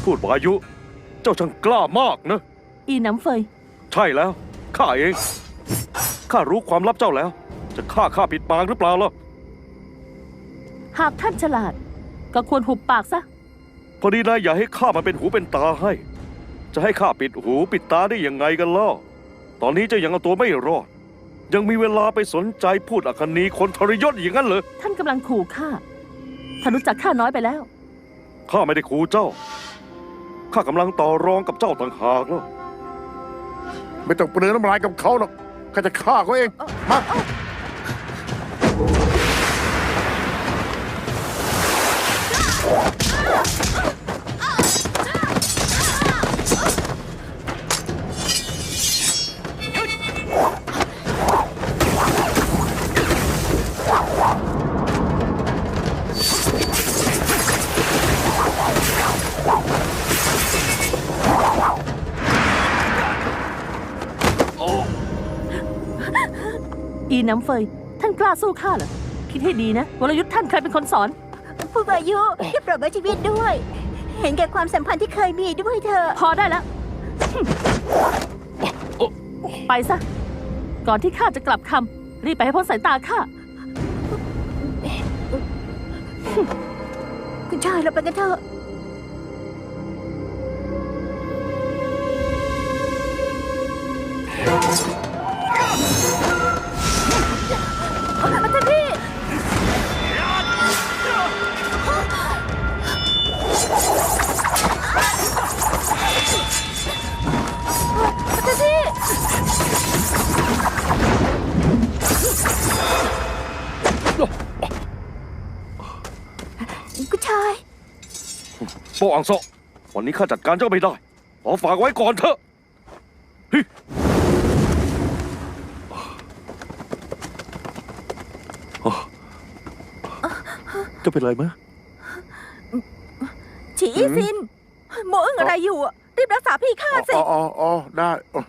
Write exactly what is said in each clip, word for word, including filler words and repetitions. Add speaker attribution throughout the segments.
Speaker 1: พูดวายุ เจ้าช่างกล้ามากนะ
Speaker 2: อีน้ำเฟย
Speaker 1: ใช่แล้วข้าเองข้ารู้ความลับเจ้าแล้ว จะฆ่าข้าปิดปากหรือเปล่าล่ะ
Speaker 2: หากท่านฉลาดก็ควรหุบปากซะ
Speaker 1: พอดีนายอย่าให้ข้ามาเป็นหูเป็นตาให้ จะให้ข้าปิดหูปิดตาได้ยังไงกันล่ะตอนนี้เจ้ายังเอาตัวไม่รอดยังมีเวลาไปสนใจพูดอคนีคนทรยศอย่างนั้นเลย
Speaker 2: ท่านกำลังขู่ข้าท่านรู้จักข้าน้อยไปแล้ว
Speaker 1: ข้าไม่ได้ขู่เจ้าข้ากำลังต่อรองกับเจ้าต่างหากแล้ว
Speaker 3: ไม่ต้องเปลืองน้ำลายกับเขาหรอกข้าจะฆ่าเขาเองมา
Speaker 2: อีน้ำเฟยท่านกล้าสู้ข้าเหรอคิดให้ดีนะวรยุทธ์ท่านใครเป็นคนสอน
Speaker 4: ผู้อายุที่โปรดไว้ชีวิตด้วย เห็นแก่ความสัมพันธ์ที่เคยมีด้วยเธอ
Speaker 2: พอได้แล้วไปซะก่อนที่ข้าจะกลับคำรีบไปให้พ้นสายตาข้า
Speaker 4: คุณชายเราไปกันเถอะท่านพี่ท่านพี่คุณชาย
Speaker 1: โปอังโซวันนี้ข้าจัดการเจ้าไม่ได้ขอฝากไว้ก่อนเถอะจะเป็นไรไหม
Speaker 4: ฉีอีซินโมอึ้งอะไรอยู่รีบรักษาพี่ข้าสิ
Speaker 3: อ๋ออ๋อได้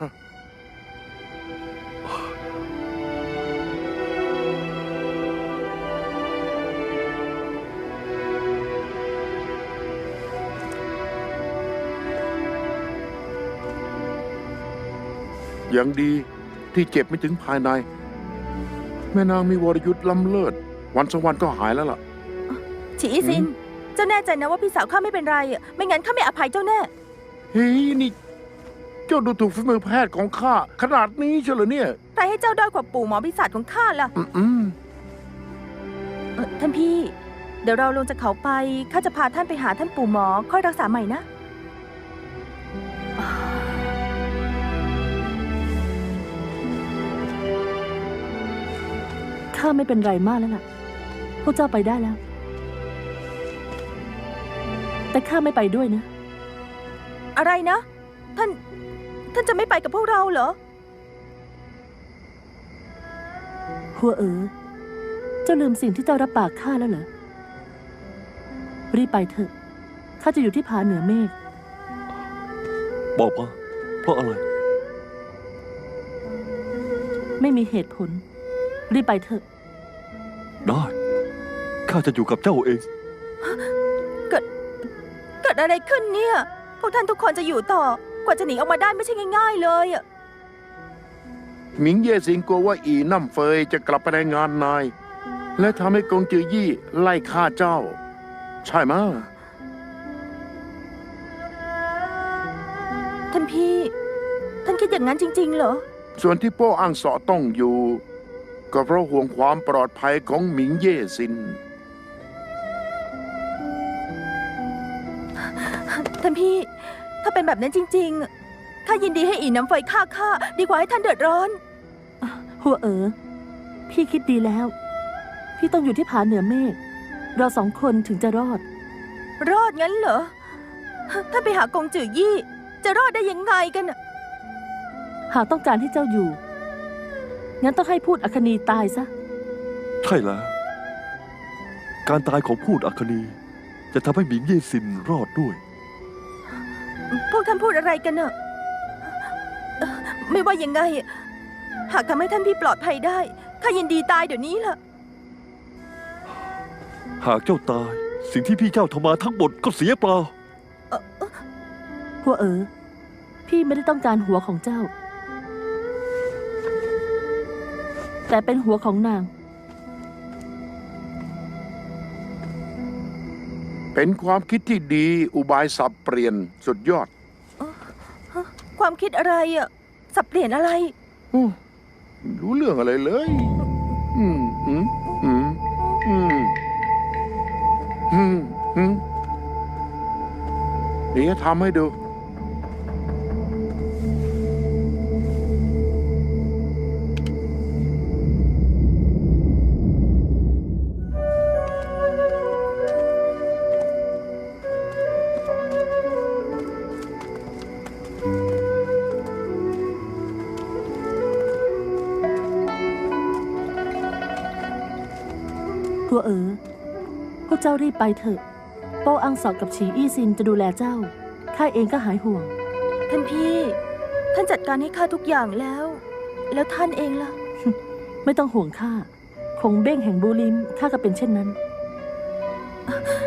Speaker 3: อย่างดีที่เจ็บไม่ถึงภายในแม่นางมีวรยุทธ์ล้ำเลิศวันสองวันก็หายแล้วล่ะ
Speaker 4: ฉีอีซินเจ้าแน่ใจนะว่าพี่สาวข้าไม่เป็นไรอ่ะไม่งั้นข้าไม่อภัยเจ้าแน่
Speaker 3: เฮ้ยนี่เจ้าดูถูกฝีมือแพทย์ของข้าขนาดนี้เชียวเหรอเนี่ย
Speaker 4: ใครให้เจ้าด้อยกว่าปู่หมอปีศาจของข้าล่ะ
Speaker 3: อืม
Speaker 4: ท่านพี่เดี๋ยวเราลงจากเขาไปข้าจะพาท่านไปหาท่านปู่หมอค่อยรักษาใหม่นะ
Speaker 2: ข้าไม่เป็นไรมากแล้วล่ะพวกเจ้าไปได้แล้วแต่ข้าไม่ไปด้วยนะ
Speaker 4: อะไรนะท่านท่านจะไม่ไปกับพวกเราเหรอ
Speaker 2: หัวเอ๋อเจ้าลืมสิ่งที่เจ้ารับปากข้าแล้วเหรอรีบไปเถอะข้าจะอยู่ที่ผาเหนือเมฆ
Speaker 1: บอกมาเพราะอะไร
Speaker 2: ไม่มีเหตุผลรีบไปเถอะ
Speaker 1: ได้ข้าจะอยู่กับเจ้าเอง
Speaker 4: เกิดเกิดอะไรขึ้นเนี่ยพวกท่านทุกคนจะอยู่ต่อกว่าจะหนีออกมาได้ไม่ใช่ง่ายๆเลยอะ
Speaker 3: หมิงเย่สิงกลัวว่าอีน้ำเฟยจะกลับไปในงานนายและทำให้กงจือยี่ไล่ฆ่าเจ้าใช่ไหม
Speaker 4: ท่านพี่ท่านคิดอย่างนั้นจริงๆเหรอ
Speaker 3: ส่วนที่โป้อังเสาะต้องอยู่ก็เพราะห่วงความปลอดภัยของหมิงเย่ซิน
Speaker 4: ท่านพี่ถ้าเป็นแบบนั้นจริงๆข้ายินดีให้อีน้ำไฟฆ่าข้าดีกว่าให้ท่านเดือดร้อน
Speaker 2: หัวเอ๋อพี่คิดดีแล้วพี่ต้องอยู่ที่ผาเหนือเมฆเราสองคนถึงจะรอด
Speaker 4: รอดงั้นเหรอถ้าไปหากงจือยี่จะรอดได้ยังไงกัน
Speaker 2: หากต้องการให้เจ้าอยู่งั้นต้องให้พูดอคนีตายซะ
Speaker 1: ใช่แล้วการตายของพูดอคนีจะทำให้หมิงเย่ซินรอดด้วย
Speaker 4: พวกท่านพูดอะไรกันเนอะไม่ว่ายังไงหากทำให้ท่านพี่ปลอดภัยได้ข้ายินดีตายเดี๋ยวนี้ล่ะ
Speaker 1: หากเจ้าตายสิ่งที่พี่เจ้าทำมาทั้งหมดก็เสียเปล่า
Speaker 2: หัวเอ๋อพี่ไม่ได้ต้องการหัวของเจ้า แต่เป็นหัวของนาง
Speaker 3: เป็นความคิดที่ดีอุบายสับเปลี่ยนสุดยอด
Speaker 4: ความคิดอะไรอะสับเปลี่ยนอะไร
Speaker 3: โอ้ไม่รู้เรื่องอะไรเลย อืมอืมอืมอืมอืมอืมเดี๋ยวทำให้ดู
Speaker 2: หัวเอ๋อพวกเจ้ารีบไปเถอะ โป้อังสอกกับฉีอี้ซินจะดูแลเจ้า ข้าเองก็หายห่วง
Speaker 4: ท่านพี่ ท่านจัดการให้ข้าทุกอย่างแล้ว แล้วท่านเองล่ะ
Speaker 2: ไม่ต้องห่วงข้า คงเบ้งแห่งบูลิมข้าก็เป็นเช่นนั้น